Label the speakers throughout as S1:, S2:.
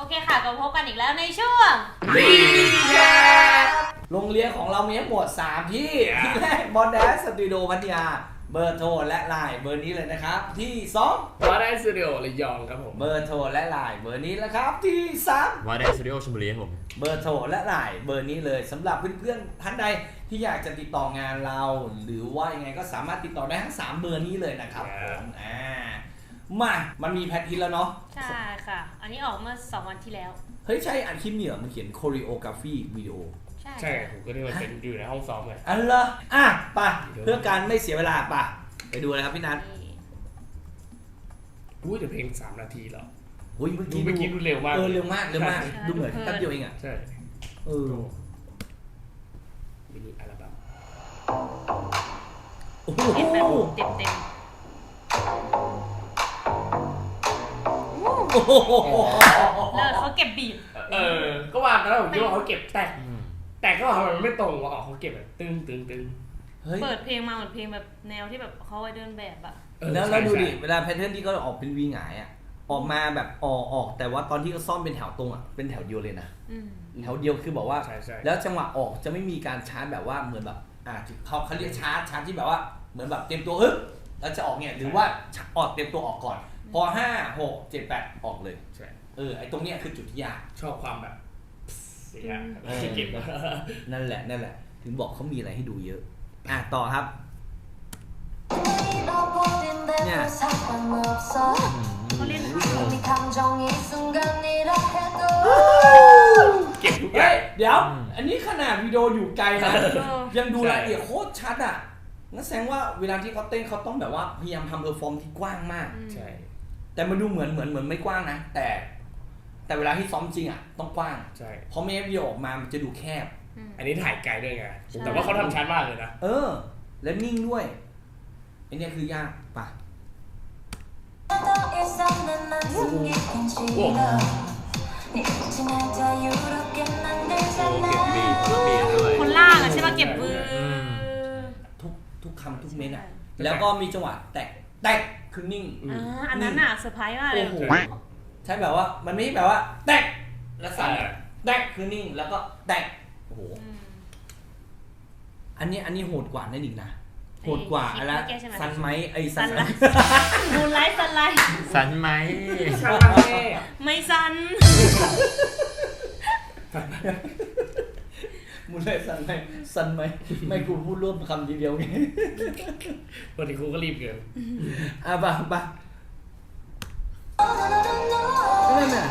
S1: เคค่ะก็พบกันอีกแล้วในช่วง
S2: รีแคปโรงเรียนของเรามีทั้งหมด3ที่ที่แรกบอลแดสสตูดิโอพัทยาเบอร์โทรและไลน์เบอร์นี้เลยนะครับที่2
S3: วาได้สตูดิโอระยองครับผม
S2: เบอร์โทรและไลน์เบอร์นี้แล้วครับที่3
S4: วาได้สตูดิโอชลบุรีครับผม
S2: เบอร์โทรและไลน์เบอร์นี้เลยสำหรับเพื่อนๆท่านใดที่อยากจะติดต่องานเราหรือว่ายังไงก็สามารถติดต่อได้ทั้ง3เบอร์นี้เลยนะครับผมมันมีแพททินแล้วเนาะ
S1: ใช่ค่ะอันนี้ออกเมื่อ2วันที่แล้ว
S2: เฮ้ยใช่อันคลิปเนี่ยมันเขียน choreography วิดีโอ
S3: ใช่ผมก็ได้มาเป็นอยู่ในห้องซ้อมเลย
S2: อันละไปเพื่อการไม่เสียเวลาไปดูเลยครับพี่นัท
S3: แต่เพลง3 นาทีเหรอ
S2: เมื่อ
S3: กี้ดูเร็วมาก
S2: เร็วมากดูเหมือนแป๊บเดียวเองอ่ะ
S3: ใช่มินิอัลบั้ม
S1: โอ้โหเต็ม
S2: แล้ว
S1: เขาเก็บบีท
S3: ก็ว่าแล้วผมคิดว่าเขาเก็บแต่ก็ทำไมมันไม่ตรงวะเขาเก็บแบบตึง
S1: เปิดเพลงมาเหมือนเพลงแบบแนวที่แบบเขาไว้เดินแบบอะ
S2: แล้วดูดิเวลาแพทเทิร์นที่เขาออกเป็นวีหงายอะออกมาแบบออกแต่ว่าตอนที่เขาซ่อมเป็นแถวตรงอะเป็นแถวเดียวเลยนะแถวเดียวคือบอกว่าแล้วจังหวะออกจะไม่มีการชาร์จแบบว่าเหมือนแบบเขาเรียกชาร์จที่แบบว่าเหมือนแบบเตรียมตัวแล้วจะออกเนี่ยหรือว่าออกเตรียมตัวออกก่อนพอ5 6 7 8ออกเลยไอ้ตรงเนี้ยคือจุดที่ยาก
S3: ชอบความแบบเสียเก็บ
S2: นั่นแหละถึงบอกเขามีอะไรให้ดูเยอะต่อครับเนี่ย
S1: เขาเล่น
S3: เก็บทุกอย่าง
S2: เดี๋ยวอันนี้ขนาดวิดีโออยู่ไกลนะยังดูรายละเอียดโคตรชัดอ่ะนั่นแสดงว่าเวลาที่เขาเต้นเขาต้องแบบว่าพยายามทำเพอร์ฟอร์มที่กว้างมาก
S3: ใช่
S2: แต่มันดูเหมือนไม่กว้างนะแต่เวลาที่ซ้อมจริงอ่ะต้องกว้าง
S3: ใช่
S2: เพราะไม่งั้นวิดีโอออกมามันจะดูแคบ
S3: อันนี้ถ่ายไกลด้วยไงแต่ว่าเขาทำชัดมากเลยนะ
S2: และนิ่งด้วยไอ้นี่คือยากป่ะ
S1: คนล่างอะใช่ป่ะเก็บมือ
S2: ทุกคำทุกเม็ดอ่ะแล้วก็มีจังหวะแตกคือนิ่ง
S1: อันนั้นอ่ะเซอร์ไพรส์มากเลย
S2: ใช่แบบว่ามันไม่แบบว่าแตกแล้วสั่นแตกคือนิ่งแล้วก็แตกโอ้โหอันนี้โหดกว่านั่นอีกนะโหดกว่าอะไรซันไหมซัน
S1: มูนไลท์ซันไลท์
S4: ซันไหม
S1: ไม่ซัน
S2: มูนไลท์ซันไหมไม่กูพูดร่วมคำทีเดียวไง
S3: วันนี้ครูก็รีบเกิน
S2: ป่ะนั่นน่ะ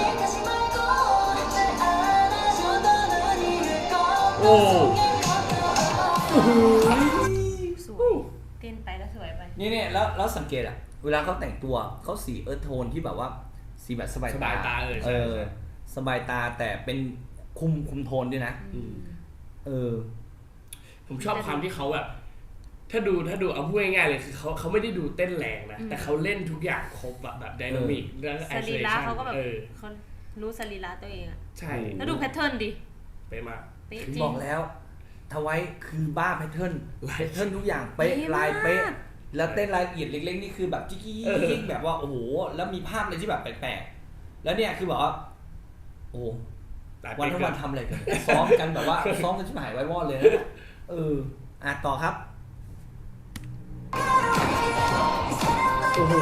S3: โอ้
S1: สวยเต้นไปแล้วสวยไป
S2: นี่แล้วสังเกตอะเวลาเขาแต่งตัวเขาสีโทนที่แบบว่าสีแบบสบายตาสบายตาแต่เป็นคุมโทนด้วยนะ
S3: ผมชอบความที่เขาแบบถ้าดูเอาพูดง่ายๆเลยคือเขาไม่ได้ดูเต้นแรงนะแต่เขาเล่นทุกอย่างครบแบบไดนามิกแล้ว
S1: สรีระเขาก็แบบเขารู้สรีระตัวเองอะ
S3: ใช่
S1: แล้วดูแพทเทิร์นดิ
S3: เป๊ะมาก
S2: บอกแล้วทวายคือบ้าแพทเทิร์นทุกอย่างเป๊ะลายเป๊ะแล้วเต้นรายละเอียดเล็กๆนี่คือแบบจิ๊กแบบว่าโอ้โหแล้วมีภาพอะไรที่แบบแปลกๆแล้วเนี่ยคือแบบว่าโอ้วันทั้งวันทำอะไรกันซ้อมกันแบบว่าซ้อมกันชิบหายไว้วอดเลยนะต่อครับโอ้โห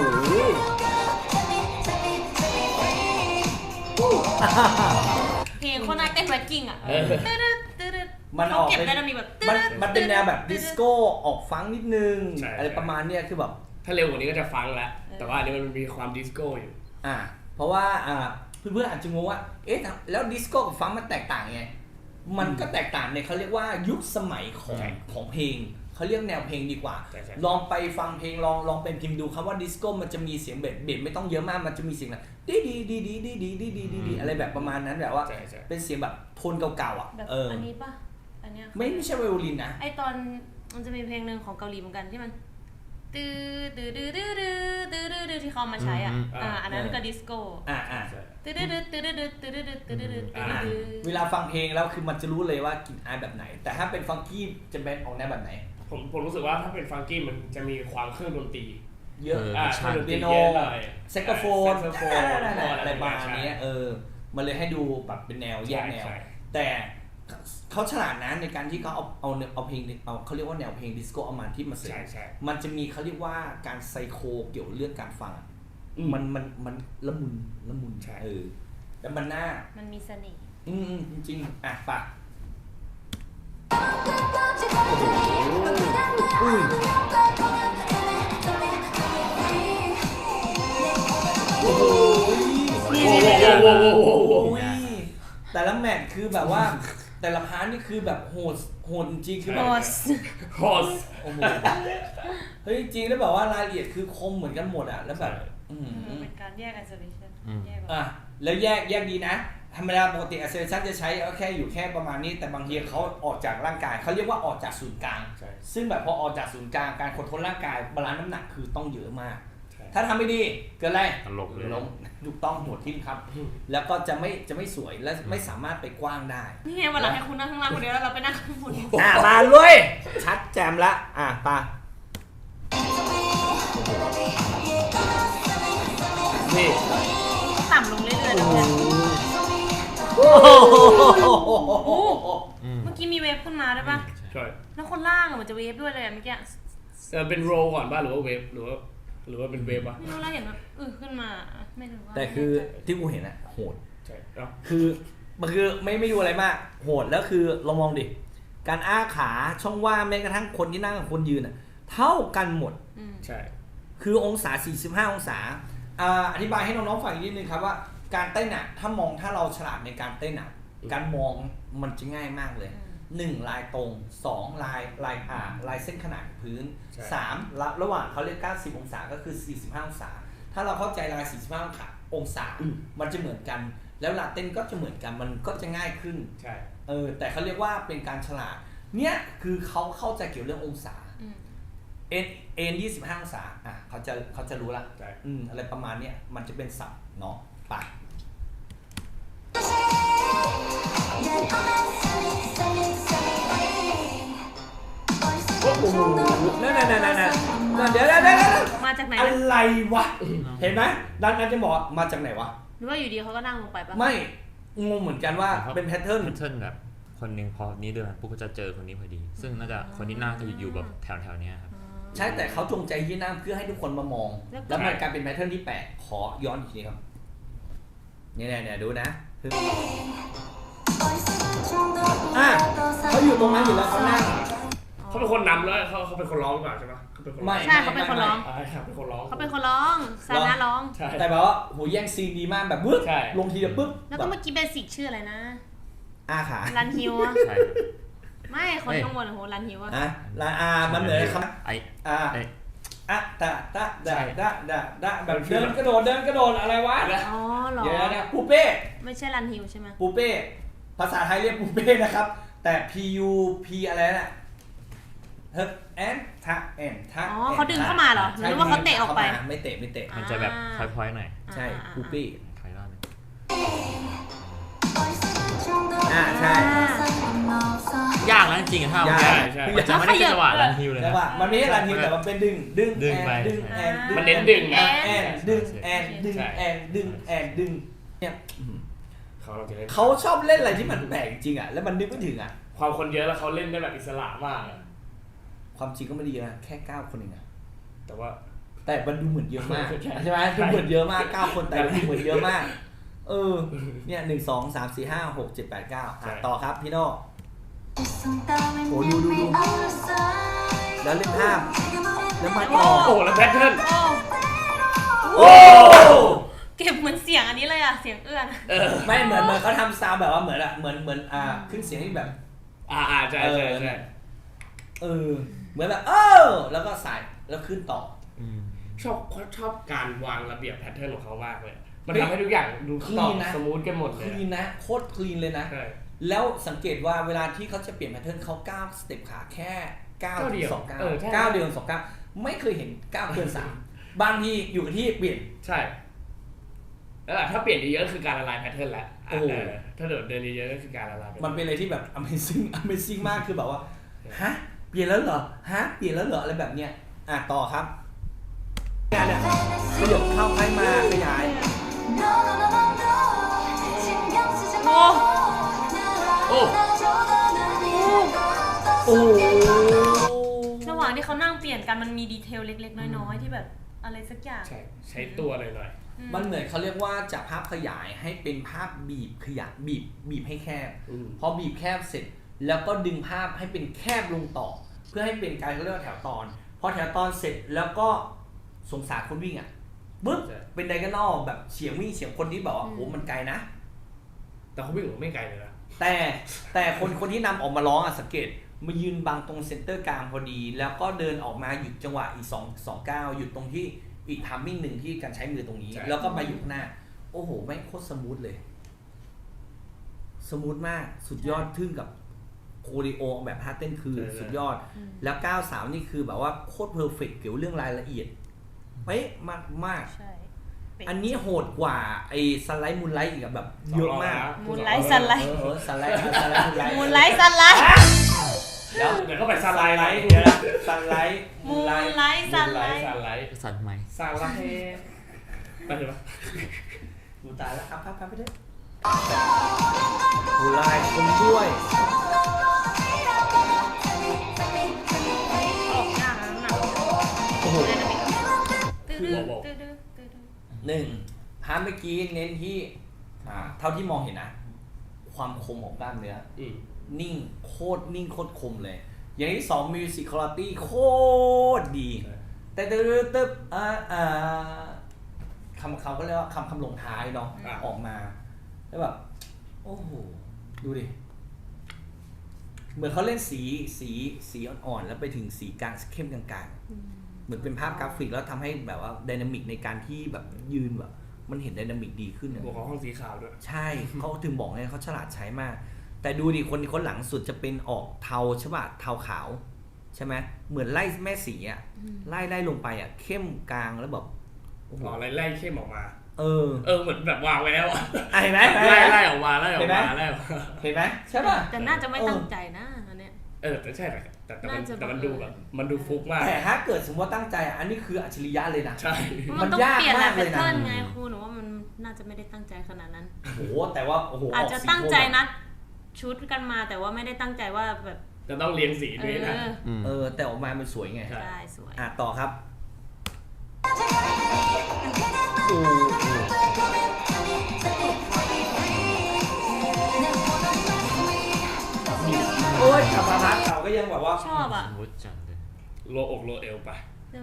S1: เพลงคนน่าเต้นแร็กกิ้งอ่ะ
S2: มันออก
S1: เป็น
S2: มันเป็นแนวแบบดิสโก้ออกฟังนิดนึงอะไรประมาณเนี้ยคือแบบ
S3: ถ้าเร็วกว่านี้ก็จะฟังแล้วแต่ว่าอันนี้มันมีความดิสโก้อยู่
S2: เพราะว่าเพื่อนๆอาจจะงงว่าแล้วดิสโก้กับฟังมันแตกต่างไงมันก็แตกต่างในเขาเรียกว่ายุคสมัยของเพลงเขาเรียกแนวเพลงดีกว่าลองไปฟังเพลงลองเป็นพิมพ์ดูคำว่าดิสโก้มันจะมีเสียงเบสไม่ต้องเยอะมากมันจะมีเสียงแบบดีอะไรแบบประมาณนั้นแบบว่าเป็นเสียงแบบโทนเก่าๆอ่ะ
S1: อันนี้ป่ะอันเนี้ย
S2: ไม่ใช่ไวโอลินนะ
S1: ไอตอนมันจะมีเพลงหนึ่งของเกาหลีเหมือนกันที่มันตื้อที่เขามาใช้อันนั้นก็ดิสโก้
S2: เวลาฟังเพลงแล้วคือมันจะรู้เลยว่ากลิ่นอายแบบไหนแต่ถ้าเป็นฟังกี้จะเป็นออกแนวแบบไหน
S3: ผมรู้สึกว่าถ้าเป็นฟังกี้มันจะมีความเครื่องดนตรี
S2: เยอะเปียโนแซกโซโฟนอะไรประมาณนี้มันเลยให้ดูแบบเป็นแนวแยกแนวแต่เขาฉลาดนะในการที่เขาเอาเพลงเขาเรียกว่าแนวเพลงดิสโก้เอามาที่มาเสริมมันจะมีเขาเรียกว่าการไซโคเกี่ยวเรื่องการฟังมันละมุนแต่มัน
S1: มีเสน่ห์
S2: จริงๆปะโอ้โหแต่ละแมทคือแบบว่าแต่ละพาร์ทนี่คือแบบโหดจริงคือแบบ
S3: โหด
S2: โอ้โหเฮ้ยจริงแล้วแบบว่ารายละเอียดคือคมเหมือนกันหมดอ่ะแล้วแบบ
S1: เป็นการแยก isolation
S2: แล้วแยกดีนะธรรมดาปกติ isolation จะใช้แค่อยู่แค่ประมาณนี้แต่บางทีเขาออกจากร่างกายเขาเรียกว่าออกจากศูนย์กลางซึ่งแบบพอออกจากศูนย์กลางการคอนโทรลร่างกายบาลานซ์น้ำหนักคือต้องเยอะมากถ้าทำไม่ดีเกิดอะไร
S4: ล้ม
S2: ถูกต้องหัวทิ่มครับแล้วก็จะไม่สวยและไม่สามารถไปกว้างได้
S1: นี่ไงวันหลังให้คุณนั่งข้างล่างคนเดียวแล้วเราไปนั่งข้างบน
S2: มาเลยชัดแจมละปะนี่
S1: ต่ำลงเรื่อยๆนะเมื่อกี้มีเวฟขึ้นมาได้ปะ
S3: ใช่
S1: แล้วคนล่างมันจะเวฟด้วยเลยเมื่อกี้
S3: เป็นโรก่อนป่ะหรือว่าเวฟหรือว่าเป็นเวฟป่ะ
S1: ไม่รู้แล้วเห็นแบบขึ้นมาไม่รู้ว่า
S2: แต่คือที่กูเห็นอะโหด
S3: ใช่
S2: คือมันคือไม่ดูอะไรมากโหดแล้วคือเรามองดิการอ้าขาช่องว่างแม้กระทั่งคนที่นั่งกับคนยืนอะเท่ากันหมด
S3: ใช่
S2: คือองศา45องศาอธิบายให้น้องๆฟังอีกนิดนึงครับว่าการเต้นอะถ้าเราฉลาดในการเต้นอะการมองมันจะง่ายมากเลย1ลายตรง2ลายเส้นขนาดพื้น3ระหว่างเขาเรียก90องศาก็คือ45องศาถ้าเราเข้าใจลาย45องศามันจะเหมือนกันแล้วลาเต้นก็จะเหมือนกันมันก็จะง่ายขึ้น
S3: ใช่
S2: แต่เขาเรียกว่าเป็นการฉลาดเนี่ยคือเขาเข้าใจเกี่ยวเรื่ององศาเอ็น25องศาเขาจะรู้ละอะไรประมาณเนี้ยมันจะเป็นศัพท์เนาะไปนั่นเดี๋ยว
S1: มาจากไหน
S2: อะไรวะเห็นไหมด้านนั้นจะบอกมาจากไหนวะ
S1: หรือว่าอยู่ดีเขาก็นั่งลงไปปะ
S2: ไม่งงเหมือนกันว่าเป็นแพทเทิร์น
S4: แบบคนนึงพอนี้เดินปุ๊บก็จะเจอคนนี้พอดีซึ่งน่าจะคนที่นั่งจะอยู่แบบแถวๆนี้ครับ
S2: ใช่แต่เขาจงใจยื่นหน้าเพื่อให้ทุกคนมามองแล้วมันกลายเป็นแพทเทิร์นที่แปลกขอย้อนอีกทีครับเนี่ยดูนะเขาอยู่ตรงนั้นอยู่แล้วเขานั่ง
S3: เขาเป็นคนนำแล้วเขาเป็นคนร้องหรือเปล่าใช่ไหม
S1: ไม่ใช่เขาเป็นคนร้อง
S3: เป็นคนร้อง
S1: เขาเป็นคนร้องซาน่าร้อง
S2: แต่แบบว่าโหแย่งซีนดีมากแบบบึ้บลงทีเดียวบึ้บ
S1: แล้วก็เมื่อกี้เบสิกชื่ออะไรนะ
S2: ขา
S1: รันฮิวไม่คนข้างบนโหรันฮิว
S2: มันเหมือนคำแบบเดินกระโดดอะไรวะ
S1: อ๋อหรอ
S2: เดี๋ยวนะปูเป้
S1: ไม่ใช่รันฮิวใช่ไหม
S2: ปูเป้ภาษาไทยเรียกปูเป้นะครับแต่ PUP อะไรน่ะเฮ้แอนทัก
S1: อ๋อเขาดึงเข้ามาเหรอหรือว่าเขาเตะออกไป
S2: ไม่เตะ
S4: มันจะแบบพอยๆหน่อย
S2: ใช่ปูเป้
S4: ใครว่า
S2: ใช่
S4: ยากนะจริงๆถ้ามันจะไม่ได้จังหวะรันฮิวเลยนะ
S2: มันไม่ใช่รันฮิวแต่มันเป็นดึงแอน
S3: มันเน้นดึงนะ
S2: ดึงเนี่ยเขาชอบเล่นอะไรที่มันแปลกจริงอ่ะแล้วมันนึกไม่ถึงอ่ะ
S3: ความคนเยอะแล้วเขาเล่นได้แบบอิสระมาก
S2: ความจริงก็ไม่ได้เยอะแค่9คนเองอะ
S3: แต่
S2: มันดูเหมือนเยอะมากใช่ไหมดูเหมือนเยอะมาก9คนแต่ดูเหมือนเยอะมากเนี่ย1 2 3 4 5 6 7 8 9ต่อครับพี่โน่โอ้ดูแล้วเล่นภาพแล้วมาต่อ
S3: แล้วแพทเทิร์น
S1: เก็บเหมือนเสียงอันนี้เลยอ่ะเสียงเอื้อน
S2: ไม่เหมือนเขาทำซาวแบบว่าเหมือนขึ้นเสียงที่แบบ
S3: ใช่
S2: เหมือนแบบแล้วก็ใส่แล้วขึ้นต่อ
S3: ชอบการวางระเบียบแพทเทิร์นของเขามากเลยมันทำให้ทุกอย่างดูคลีนนะสมูทกันหมดเลย
S2: คลีนนะโคตรคลีนเลยนะแล้วสังเกตว่าเวลาที่เขาจะเปลี่ยนแพทเทิร์นเขาก้าวสเต็ปขาแค่9เดียว2 9ไม่เคยเห็น9เกิน3บางทีอยู่กับที่เปลี่ยน
S3: ใช่แล้วถ้าเปลี่ยนเยอะๆคือการละลายแพทเทิร์นแล้วถ้าเดินเยอะๆก็คือการละลาย
S2: มันเป็นอะไรที่แบบ amazing มากคือแบบว่าฮะเปลี่ยนแล้วเหรออะไรแบบเนี้ยต่อครับเนี่ยขยับเข้าใครมาขยาย
S3: โอ้
S2: โอ้โห
S1: ระหว่างที่เขานั่งเปลี่ยนกันมันมีดีเทลเล็กๆน้อยๆที่แบบอะไรสักอย่าง
S3: ใช้ตัวหน่อย
S2: มันเหมือนเขาเรียกว่าจากภาพขยายให้เป็นภาพบีบขยายบีบให้แคบ พอบีบแคบเสร็จแล้วก็ดึงภาพให้เป็นแคบลงต่อ เพื่อให้เป็นการเขาเรียกว่าแถวตอนพอแถวตอนเสร็จแล้วก็สงสารคนวิ่งอ่ะบึ๊บเป็นไดอาโกนัลแบบเฉียงวิ่งเฉียงคนที่แบบว่าโอ้มันไกลนะ
S3: ๆแต่เขาวิ่งไม่ไกลเลยนะ
S2: แต่คนที่นำออกมาร้องอ่ะสังเกตมายืนบังตรงเซนเตอร์กลางพอดี แล้วก็เดินออกมาหยุดจังหวะอีก2 ก้าวหยุดตรงที่อีกทัมมิ่งหนึ่งที่การใช้มือตรงนี้ แล้วก็มาอยู่ข้างหน้าโอ้โหแม่งโคตรสมูทเลยสมูทมากสุดยอดทึ่งกับโคดิโอแบบท่าเต้นคือสุดยอดแล้ว93นี่คือแบบว่าโคตรเพอร์เฟกต์เกี่ยวเรื่องรายละเอียดเป๊ะมาก
S1: ใช่
S2: อันนี้โหดกว่าไอ้สไลด์มูนไลท์อีกแบบเยอะมาก
S1: มูนไลท์สไลด์
S2: สไลด์มูนไลท์
S1: มูนไลท์สไลด์
S3: เดี๋ยวเขาไปสไลด์
S2: เดี๋ยวนะสไลด์
S1: มูนไลท์สไลด์
S4: สั่นไหม
S3: สไลด์ไปเถอะ
S2: ดูตายแล้วครับพับไปด้วยมูนไลท์คนช่วย
S1: ออกยากนะหนัก
S2: โอ้โห
S1: ตื้อ
S2: หนึ่งพาร์ทเมื่อกี้เน้นที่เท่าที่มองเห็นนะความคมของกล้ามเนื้อนิ่งโคตรนิ่งโคตรคมเลย อย่างที่2 musicality โคตรดีแต่ตึ๊บคำก็เรียกว่าคำลงท้ายเนาะออกมาแล้วแบบโอ้โหดูดิเหมือนเขาเล่นสีอ่อนๆแล้วไปถึงสีกลางเข้มกลางๆเหมือนเป็นภาพกราฟิกแล้วทำให้แบบว่าไดนามิกในการที่แบบยืนแบบมันเห็นไดนามิกดีขึ้น
S3: บวกของห้องสีขาวด้วย
S2: ใช่เขาถึงบอกไงเขาฉลาดใช้มากแต่ดูดิคนหลังสุดจะเป็นออกเทาใช่ป่ะเทาขาวใช่ไหมเหมือนไล่แม่สีอ่ะไล่ลงไปอ่ะเข้มกลางแล้วแบบ
S3: ไล่เข้มออกมาเหมือนแบบวางไว้แล้วอ่ะ
S2: เห็นไหม
S3: ไล่ออกมาแล้วเห็น
S2: ไหมใช่ป่ะ
S1: แต่น่าจะไม่ตั้งใจนะอันเนี้ย
S3: แต่ใช่แต่มันดูแบบมันดูฟุกมาก
S2: แต่ถ้าเกิดสมมติว่าตั้งใจอันนี้คืออัจฉริยะเลยนะ
S3: ใช่
S1: มันต้องเปลี่ยนแพทเทิร์นไงครูหนูว่ามันน่าจะไม่ได้ตั้งใจขนาดนั้น
S2: โอ้แต่ว่าโอ้โห
S1: อาจจะตั้งใจนัดชุดกันมาแต่ว่าไม่ได้ตั้งใจว่าแบบ
S3: จะต้องเรียงสีด้วยนะ
S2: แต่ออกมามันสวยไง
S1: ใช่สวย
S2: ต่อครับโอ้ยขับมาพักเขาก็ยังแบบว่า
S1: ชอบอ่ะ
S3: โลอกโลเอวไป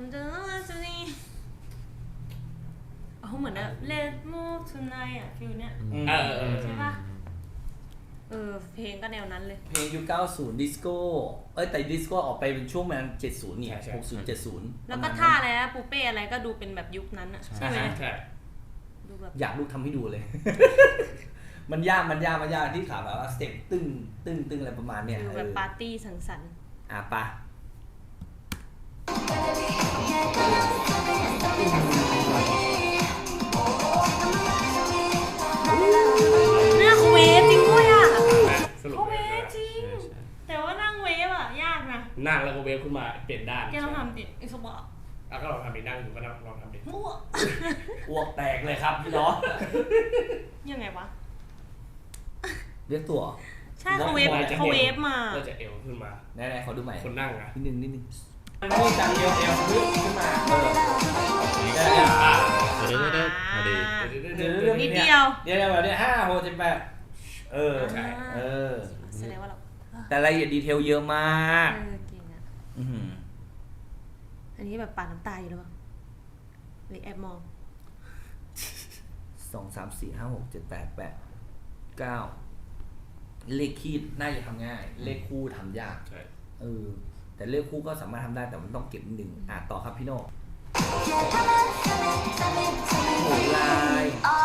S1: เหมือนแบบ Let's move tonight อ่ะฟิลเนี้ยใช่ป่ะเพลงก็แนวนั้นเลย
S2: เพลงยุค90ดิสโก้แต่ดิสโก้ออกไปเป็นช่วงประมาณ70เนี่ย60 70
S1: แล้วก็ท่าอะไรนะปูเป้อะไรก็ดูเป็นแบบยุคนั้นอ่ะใช่ไหม
S3: ใช่
S2: ดูแบบอยากลูกทำให้ดูเลย มันยากที่ขาแบบว่าสเต็ปตึ้งอะไรประมาณเนี้ย
S1: แบบปาร์ตี้สังสรรค์
S2: ปะ
S1: นั่งเวฟจริงด้วยอ่ะ
S3: เขา
S1: เวฟจริงแต่ว่านั่งเวฟอ่ะยากนะ
S3: นั่งแล้วก็เวฟขึ้นมาเปลี่ยนด้าน
S1: แกลองทำดิไอ้สบะ
S3: ก็ลองทำดินั่งอยู่ก็ลองทำดิ
S2: อ้วกแตกเลยครับพี่น้อง
S1: ยังไงวะ
S2: เรียกตัว
S1: ใช่เขาเวฟมา
S3: ก็จะเอวขึ้นมา
S2: ไหนขอดูใหม่
S3: คนนั่งอ่ะ
S2: นิดนึงมันไม่จากเอวขึ้นมา
S1: นิดเดียว
S2: เดี๋ยวแบบนี้5 6 7 8
S3: ใช่
S1: แสดงว่าเรา
S2: แต่รายละเอียดดีเทลเยอะมาก
S1: จริงอ่ะอันนี้แบบปาดน้ำตาอยู่หรือเปล่าหรือแอบมอง
S2: 2 3 4 5 6 7 8 8 9เลขคีดน่าจะทำง่ายเลขคู่ทำยาก
S3: ใช่
S2: แต่เลขคู่ก็สามารถทำได้แต่มันต้องเก็บนิดนึงต่อครับพี่โน่โหลาย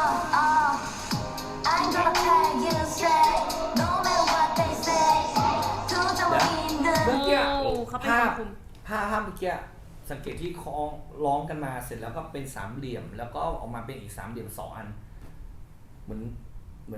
S2: เมื่อกี้ภาพเมื่อกี้สังเกตที่คล้องร้องกันมาเสร็จแล้วก็เป็นสามเหลี่ยมแล้วก็ออกมาเป็นอีก3 เหลี่ยม2 อันเหมือน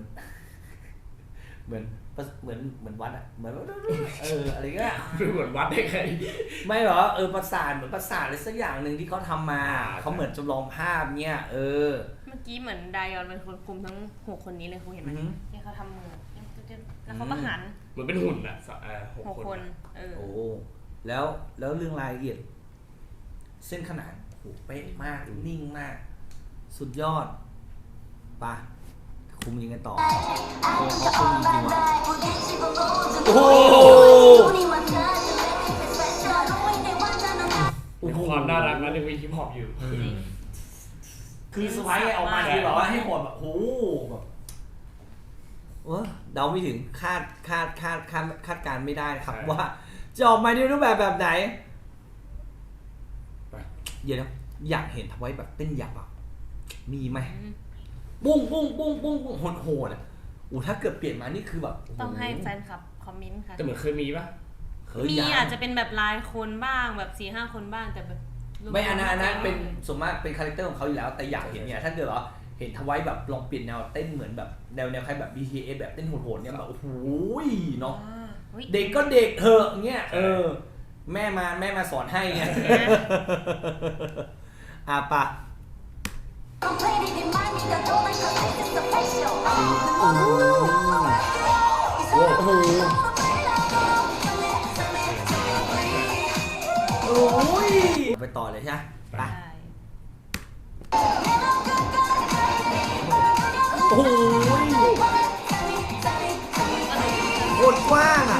S2: วัดอ่ะเหมือนอะไรเงี้ย
S3: เหมือนวัดได้ไง
S2: ไม่หรอประสาทเหมือนประสาทอะไรสักอย่างหนึ่งที่เขาทำมาเขาเหมือนจำลองภาพเนี่ย
S1: เมื่อกี้เหมือนไดออนเป็นคนคุมทั้ง6 คนนี้เลยเขาเห็นไหมที่เขเขาทำมือแล้วเขาก็หัน
S3: เหมือนเป็นหุ่นอ่ะ
S1: 6 คน
S2: โอ้แล้วเรื่องรายละเอียดเส้นขนานโหเป๊ะมากนิ่งมากสุดยอดปะคุมยังไงต่อเขาคุมจริงๆว่ะโอ้โห
S3: ความน่ารักนะในวีฮิปฮอปอยู่
S2: คือสไปร์ออกมาคือแบบว่าให้หมดแบบโอ้แบบเดาไม่ถึงคาดการไม่ได้ครับว่าจะออกมาในรูปแบบไหนเดี๋ยวนะอยากเห็นทำไว้แบบเต้นหยับอ่ะมีไหมปุ้งโหดอ่ะถ้าเกิดเปลี่ยนมานี่คือแบบ
S1: ต้องให้แฟนคลับคอมเมนต์ค่ะ
S3: แต่เหมือนเคยมีปะ
S1: มีอาจจะเป็นแบบรายคนบ้างแบบ 4-5 คนบ้างแต่แบบ
S2: ไม่อันนั้นเป็นส่วนมากเป็นคาแรคเตอร์ของเขาอยู่แล้วแต่อยากเห็นเนี่ยถ้าเกิดว่าเห็นทวายแบบลองเปลี่ยนแนวเต้นเหมือนแบบแนวใครแบบ BTS แบบเต้นโหดๆเนี่ยแบบโอ้โหเนาะเด็กก็เด็กเถอะเงี้ยแม่มาสอนให้ไงปะโอ้ยไปต่อเลยใช่ไหมไปโอ้ยโคตรกว้างอ่ะ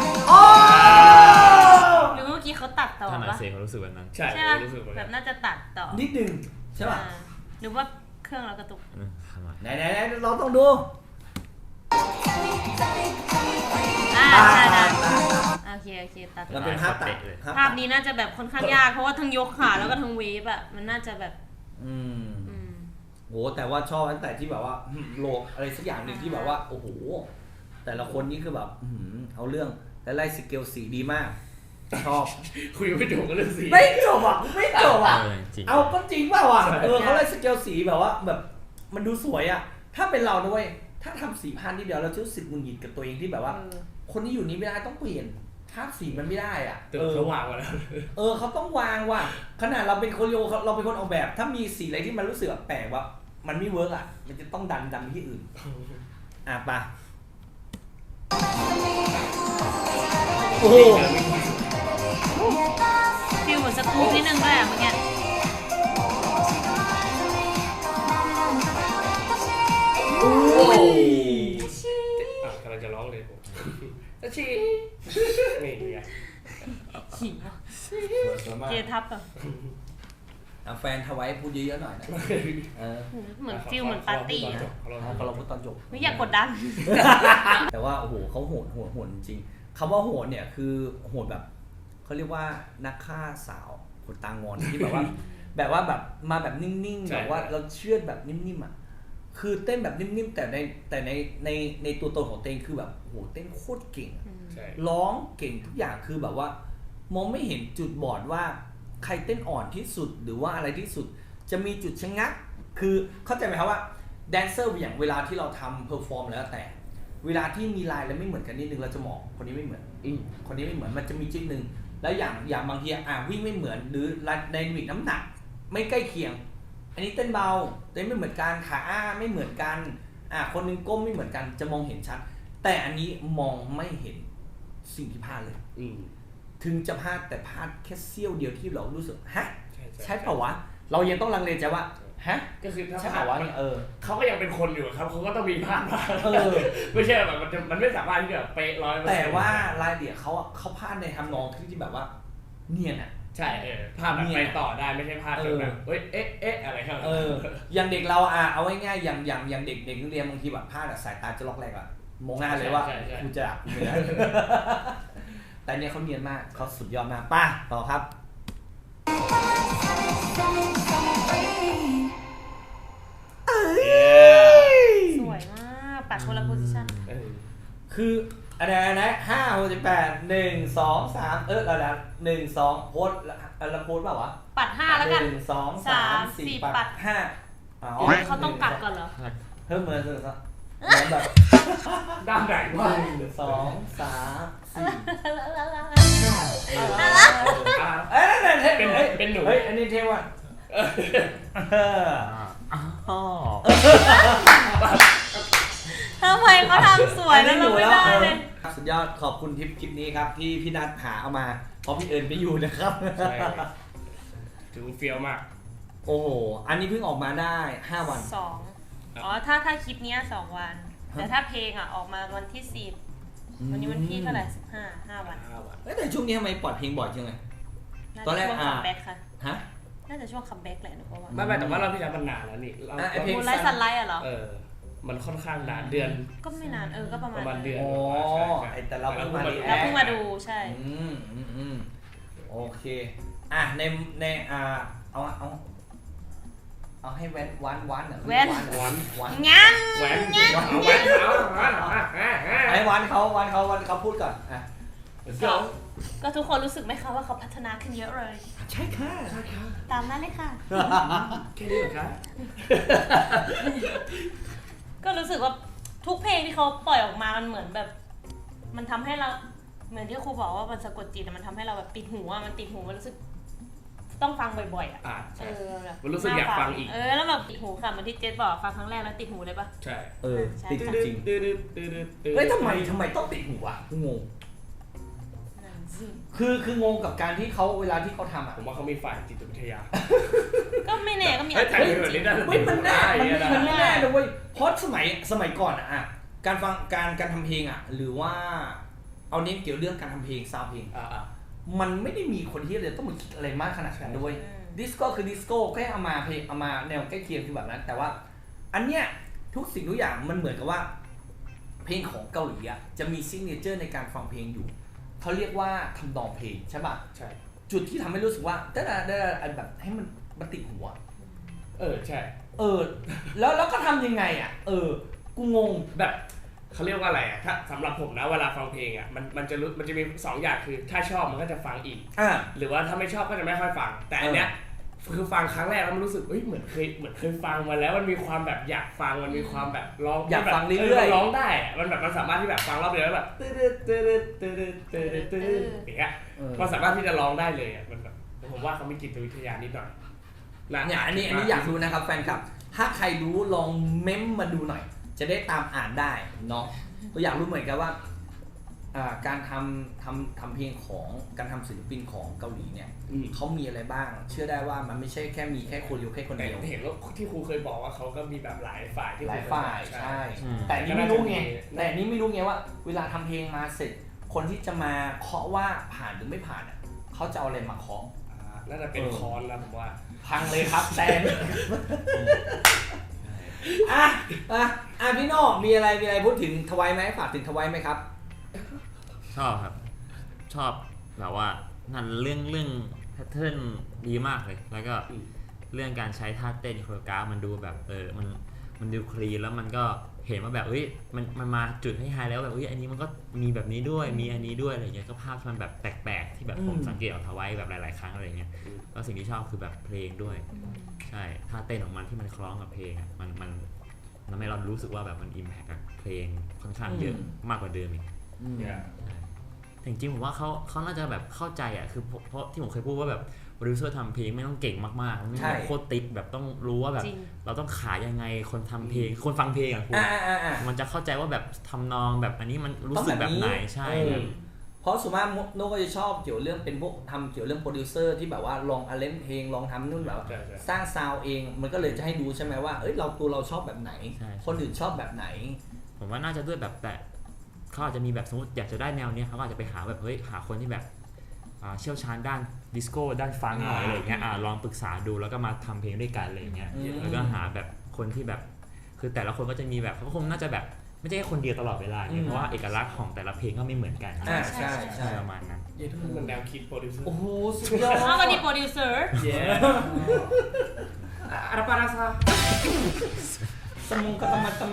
S1: หรือเมื่อกี้เขาตัดต่อ
S4: ถ้า
S1: ป่ะ
S4: เสียงเขารู้สึกแบบนั้น
S3: ใช่
S1: รู้สึกแบบน่าจะตัดต่อ
S2: นิดนึงใช่ป่ะ
S1: หรือว่าเครื่องเรากระตุก
S2: ไหนเราต้องดู
S1: โอเคตัด
S2: เราเป็นภาพตัด
S1: ภาพนี้น่าจะแบบค่อนข้างยากเพราะว่าทั้งยกขาแล้วก็ทั้งเวฟอ่ะมันน่าจะแบบ
S2: โหแต่ว่าชอบตั้งแต่ที่แบบว่าโลกอะไรสักอย่างหนึ่งที่แบบว่าโอ้โหแต่ละคนนี่คือแบบเอาเรื่องและไล่สเกลสีดีมากชอบ
S3: คุยไม่จบกันเรื่องสี
S2: ไม่จบเอาก็จริงเปล่าเขาไล่สเกลสีแบบว่าแบบมันดูสวยอ่ะถ้าเป็นเราด้วยถ้าทำสีพันนิดเดียวเราจะรู้สึกมึนหงิดกับตัวเองที่แบบว่าคนที่อยู่นี้ไม่ได้ต้องเปลี่ยนภาพสีมันไม่ได้อ่ะ
S3: เขาวางไว้แล้ว
S2: เขาต้องวางว่ะขนาดเราเป็นคนเราเป็นคนออกแบบถ้ามีสีอะไรที่มันรู้สึกแปลกว่ามันไม่เวิร์กอ่ะมันจะต้องดันไปที่อื่นปะโอ้
S1: ฟิลเหมือนสกู๊ปนิดนึงด้วยอ่ะเมื่อกี้
S3: กำลังจะร้องเลยผมชีนี่ไง
S1: ขิงเกทับอ่ะ
S2: แฟนทวายพูดเยอะๆหน่อยนะ
S1: เหมือนฟิลเหมือนปาร์ตี้อ่ะ
S2: เราพูดตอนจบ
S1: ไม่อยากกดดัน
S2: แต่ว่าโอ้โหเขาโหดจริงคำว่าโหดเนี่ยคือโหดแบบเขาเรียกว่านักฆ่าสาวคนตางอนที่แบบว่าแบบมาแบบนิ่งๆแบบว่าเราเชื่อแบบนิ่มๆอ่ะคือเต้นแบบนิ่มๆแต่ในตัวตนของเต้นคือแบบโหเต้นโคตรเก่งร้องเก่งทุกอย่างคือแบบว่ามองไม่เห็นจุดบอดว่าใครเต้นอ่อนที่สุดหรือว่าอะไรที่สุดจะมีจุดชะงักคือเข้าใจไหมครับว่าแดนเซอร์อย่างเวลาที่เราทำเพอร์ฟอร์มแล้วแต่เวลาที่มีลายแล้วไม่เหมือนกันนิดนึงเราจะมองคนนี้ไม่เหมือนคนนี้ไม่เหมือนมันจะมีจุดนึงแล้วอย่างบางทีวิ่งไม่เหมือนหรือไดนามิกน้ำหนักไม่ใกล้เคียงอันนี้เต้นเบาเต้นไม่เหมือนกันขาไม่เหมือนกันคนนึงก้มไม่เหมือนกันจะมองเห็นชัดแต่อันนี้มองไม่เห็นสิ่งที่พลาดเลยถึงจะพลาดแต่พลาดแค่เสี้ยวเดียวที่เรารู้สึกฮะใช่เปล่าวะเรายังต้องลังเลใจว่าฮะ
S3: ก็คือถ้า
S2: ใช่เปล่าวะ
S3: เขาก็ยังเป็นคนอยู่ครับเขาก็ต้องมีพลาดบ้างไม่ใช่แบบมันไม่สามารถที่จะเป๊ะ100%
S2: แต่ว่ารายละเอียดเขาพลาดในทำนองที่แบบว่าเนียนอ่ะ
S3: ใช่พลาดแบบไปต่อได้ไม่ใช่พลาดจนแบบเอ๊ะอะไรครับ
S2: อย่างเด็กเราเอาง่ายๆอย่างเด็กนักเรียนบางทีแบบพลาดสายตาจะล็อกแรกอะมองหน้าเลยว่ากูจะกูไม่ได้แต่เนี่ยเขาเนียนมากเขาสุดยอดมากป่ะต่อครับ
S1: สวยมากปัดคนละโพสิชั่น
S2: คืออะไรนะ5 6 8 1 2 3เราแล้ว1 2โพสเราโพสเปล่าวะ
S1: ปัด5แล้วกัน
S2: 1 2 3 4ปัด5
S1: เขาต้องกัดก่อนเหรอ
S2: เพิ่มเหมือนแบบ
S3: ด้านไหนวะ
S2: 1 2 3 4
S3: เป็นหนู
S2: อันนี้เท่ว่ะ
S1: ทำไมเขาทำสวยแล้วเราไม่ได้เลย
S2: สุดยอดขอบคุณทิปคลิปนี้ครับที่พี่นัทหาเอามาเพราะพี่เอิญไม่อยู่นะครับ
S3: ใช่ถือเฟี้ยวมาก
S2: โอ้โหอันนี้เพิ่งออกมาได้5 วัน
S1: 2อ๋อถ้าคลิปเนี้ย2 วันแต่ถ้าเพลงอ่ะออกมาวันที่10วันนี้วันที่เท่าไหร่5 วัน
S2: แต่ช่วงนี้ทำไมปล่อยเพลงบ่อยจังเลย ตอนแรก
S1: ช่วงคัมแบ็กค่ะ
S2: ฮะ
S1: น่าจะช่วงคัมแบ็กแหละหนูก็ว่า
S3: ไม่แต่ว่าเราพี่แล้วมันนานแล้วนี่เรา
S2: ไอ้เพลง
S1: มูนไลท์ซันไลท์อะเหรอ
S3: มันค่อนข้างนานเดือน
S1: ก็ไม่นานก็ประมาณ
S3: เดือน
S2: อ๋อไอ้แต่เราเพิ่งมา
S1: เราเพิ่งมาดูใช่
S2: โอเคในเอาให้แวันเหรอ
S1: แว้น
S2: วัน
S1: งั้น
S3: แหวน
S2: ไอ้วันเขาพูดก่อนอ่ะ
S1: ก็ทุกคนรู้สึกไหมคะว่าเขาพัฒนาขึ้นเยอะเลย
S2: ใช่ค่ะ
S1: ตามนั้นเลยค่ะ
S3: แค่นี้เหรอคะ
S1: ก็รู้สึกว่าทุกเพลงที่เขาปล่อยออกมามันเหมือนแบบ มันทำให้เราเหมือนที่ครูบอกว่ามันสะกดจิตมันทำให้เราแบบติดหูมันติดหูมันรู้สึกต้องฟังบ่อยๆอ่ะ
S3: ใช่
S1: แบบ
S3: มันรู้สึกอยากฟังอีก
S1: แล้วแบบติดหูค่ะเหมือนที่เจสบอกฟังครั้งแรกแล้วติดหูเลยปะ
S3: ใช่
S2: ติดจริงเฮ้ยทำไมต้องติดหูอ่ะงงคืองงกับการที่เขาเวลาที่เขาทำอ่ะ
S3: ผมว่าเขามีฝ่ายจิตวิทยา
S1: ก็ไม่แน่ก็มี
S3: เฮ้ยแต่แบบนี้ได้
S2: มันแน่นะเว้ยเพราะสมัยก่อนอ่ะการฟังการทำเพลงอ่ะหรือว่าเอาเน้นเกี่ยวเรื่องการทำเพลงซาวเพลงมันไม่ได้มีคนที่จะต้องมาคิดอะไรมากขนาดนั้นด้วยดิสโก้คือดิสโก้แค่เอามาเพลงเอามาแนวใกล้เคียงคือแบบนั้นแต่ว่าอันเนี้ยทุกสิ่งทุกอย่างมันเหมือนกับว่าเพลงของเกาหลีอ่ะจะมีซิกเนเจอร์ในการฟังเพลงอยู่เขาเรียกว่าทำนองเพลงใช่ป่ะ
S3: ใช่
S2: จุดที่ทำให้รู้สึกว่าได้แบบให้มันติดหัว
S3: ใช่
S2: แล้วก็ทำยังไงอ่ะกูงง
S3: แบบเขาเรียกว่าอะไรอ่ะถ้าสำหรับผมนะเวลาฟังเพลงอ่ะมันจะมี2 อย่างคือถ้าชอบมันก็จะฟังอีกหรือว่าถ้าไม่ชอบก็จะไม่ค่อยฟังแต่อันเนี้ยคือฟังครั้งแรกแล้วมันรู้สึกเหมือนเคยฟังมาแล้วมันมีความแบบอยากฟังมันมีความแบบร้อง
S2: อยากฟังเรื่อย
S3: ๆร้องได้อ่ะมันสามารถที่แบบฟังรอบเดียวแล้วแบบตื้ออย่างเงี้ยมันสามารถที่จะร้องได้เลยอ่ะมันแบบผมว่าเขามีจิตวิทยานิดหน่อย
S2: เนี่ยอันนี้อยากรู้นะครับแฟนคลับถ้าใครรู้ลองเม้มมาดูหน่อยจะได้ตามอ่านได้เนาะก็อยากรู้เหมือนกันว่าการทำเพลงของการทำศิลปินของเกาหลีเนี่ยเขามีอะไรบ้างเชื่อได้ว่ามันไม่ใช่แค่มีแค่คนเดียวแค่คนเดียว
S3: เห็นว่าที่ครูเคยบอกว่าเขาก็มีแบบหลายฝ่ายที่
S2: หลายฝ่ายใช่แต่นี่ไม่รู้ไงว่าเวลาทำเพลงมาเสร็จคนที่จะมาเคาะว่าผ่านหรือไม่ผ่านอ่ะเขาจะเอาอะไรมาเคาะ
S3: น่าจะเป็นคอนแล้วผมว่า
S2: พังเลยครับแซนพี่โน่มีอะไรพูดถึงทวายไหมฝากถึงทวายไหมครับ
S4: ชอบครับชอบแบบว่านั่นเรื่องแพทเทิร์นดีมากเลยแล้วก็เรื่องการใช้ท่าเต้นโคโรกราฟมันดูแบบมันดูคลีนแล้วมันก็เห็นว่าแบบมันมาจุดให้ไฮแล้วแบบอันนี้มันก็มีแบบนี้ด้วยมีอันนี้ด้วยอะไรเงี้ยก็ภาพมันแบบแปลกๆที่แบบผมสังเกตเอาทวายแบบหลายๆครั้งอะไรเงี้ยก็สิ่งที่ชอบคือแบบเพลงด้วยใช่ท่าเต้นของมันที่มันคล้องกับเพลงอ่ะมันทำให้เรารู้สึกว่าแบบมันอิมแพคกับเพลงค่อนข้างเยอะมากกว่าเดิมอีกจริงๆผมว่าเขาน่าจะแบบเข้าใจอ่ะคือเพราะที่ผมเคยพูดว่าแบบโปรดิวเซอร์ทำเพลงไม่ต้องเก่งมากๆไม่ต้องโคตรติ๊กแบบต้องรู้ว่าแบบเราต้องขายยังไงคนทำเพลงคนฟังเพลงอ่ะคุณมันจะเข้าใจว่าแบบทำนองแบบอันนี้มันรู้สึกแบบไหนใช่
S2: เพราะส่วนมากโน้ก็จะชอบเกี่ยวเรื่องเป็นพวกทำเกี่ยวเรื่องโปรดิวเซอร์ที่แบบว่าลองอาเลนเพลงลองทำนู่นแบบสร้างซาวเองมันก็เลยจะให้ดูใช่ไหมว่าเราชอบแบบไหนคนอื่นชอบแบบไหน
S4: ผมว่าน่าจะด้วยแบบแต่เขาอาจจะมีแบบสมมติอยากจะได้แนวนี้เขาอาจจะไปหาแบบหาคนที่แบบเชี่ยวชาญด้านดิสโก้ด้านฟังหน่อยอะไรเงี้ยลองปรึกษาดูแล้วก็มาทำเพลงด้วยกันอะไรเงี้ยแล้วก็หาแบบคนที่แบบคือแต่ละคนก็จะมีแบบเขาคงน่าจะแบบไม่ใช่แค่คนเดียวตลอดเวลาเพราะว่าเอกลักษณ์ของแต่ละเพลงก็ไม่เหมือนกัน
S2: ใช่
S4: ประมาณนั้น
S3: ทุกคนแนวคิดโปรดิวเซอร์
S2: โอ้โหสุดยอด
S1: วันนี้โปรดิวเซอร์
S3: อะไรปะนะซะ
S2: สมองกระมัดทำไม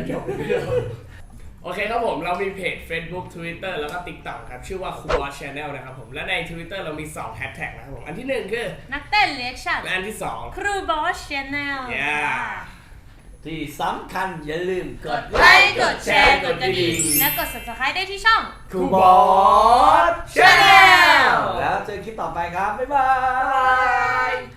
S3: โอเคครับผมเรามีเพจ Facebook Twitter แล้วก็ TikTok ครับชื่อว่า Coolboss Channel นะครับผมและใน Twitter เรามี2แฮชแท็กนะครับผมอันที่1คือ
S1: นักเต้นเรีแอคชั่น
S3: และอันที่2
S1: Coolboss Channel
S2: ที่สำคัญอย่าลืมกด
S1: ไลค์กดแชร์กดกระดิ่งและกด Subscribe ได้ที่ช่อง
S2: Coolboss Channel แล้วเจอคลิปต่อไปครับบ๊ายบาย